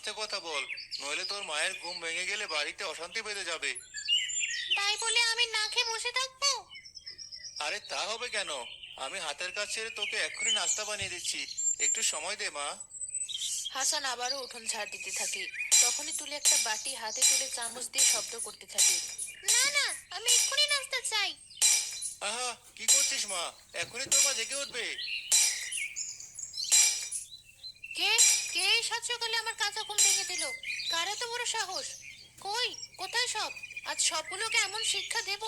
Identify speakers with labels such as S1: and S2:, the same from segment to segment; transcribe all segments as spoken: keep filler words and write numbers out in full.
S1: আস্তে কথা বল, নইলে তোর মায়ের ঘুম ভেঙে গেলে বাড়িতে অশান্তি বেঁধে যাবে।
S2: তাই বলে আমি না খেয়ে বসে থাকবো?
S1: আরে তা হবে কেন? আমি হাতের কাজ ছেড়ে তোকে এক্ষুনি নাস্তা বানিয়ে দিচ্ছি, একটু সময় দে মা।
S2: হাসান আবারও উঠোন ঝাড় দিতে থাকে। তখনই তুলে একটা বাটি হাতে তুলে চামচ দিয়ে শব্দ করতে থাকে। না না, আমি এক্ষুনি নাস্তা চাই।
S1: আহা, কি করছিস মা? এখনই তোর মা জেগে উঠবে।
S2: কে কে এই সাত সকালে আমার কাঁচা ঘুম ভেঙে দিল? কার এত বড় সাহস? কই, কোথায় সব? আজ সবগুলোকে এমন শিক্ষা দেব।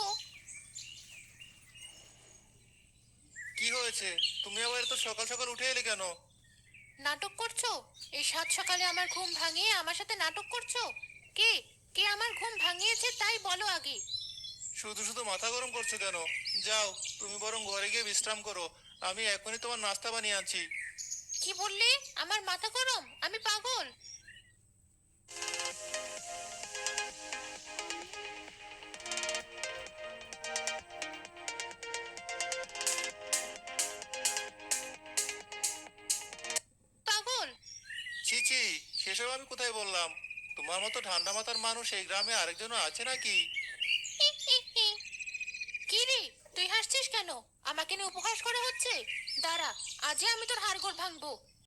S1: কি হয়েছে? তুমি আবার এত সকাল সকাল উঠে এলে কেন?
S2: নাটক করছো? এই সাত সকালে আমার ঘুম ভাঙিয়ে আমার সাথে নাটক করছো? কে কে আমার ঘুম ভাঙিয়েছে তাই বলো আগে।
S1: শুধু শুধু মাথা গরম করছো কেন? যাও, তুমি বরং ঘরে গিয়ে বিশ্রাম করো। আমি এখনই তোমার নাস্তা বানিয়ে আনছি।
S2: কি বললে? আমার মাথা গরম? আমি পাগল? পাগল?
S1: ছি ছি, সেসব আমি কোথায় বললাম? তোমার মতো ঠান্ডা মাথার মানুষ এই গ্রামে আরেকজনও আছে নাকি?
S2: কি রে, তুই হাসছিস কেন? আমাকে নিয়ে উপহাস করা হচ্ছে? দাঁড়া, আজই আমি তোর হাড়গোড় ভাঙবো।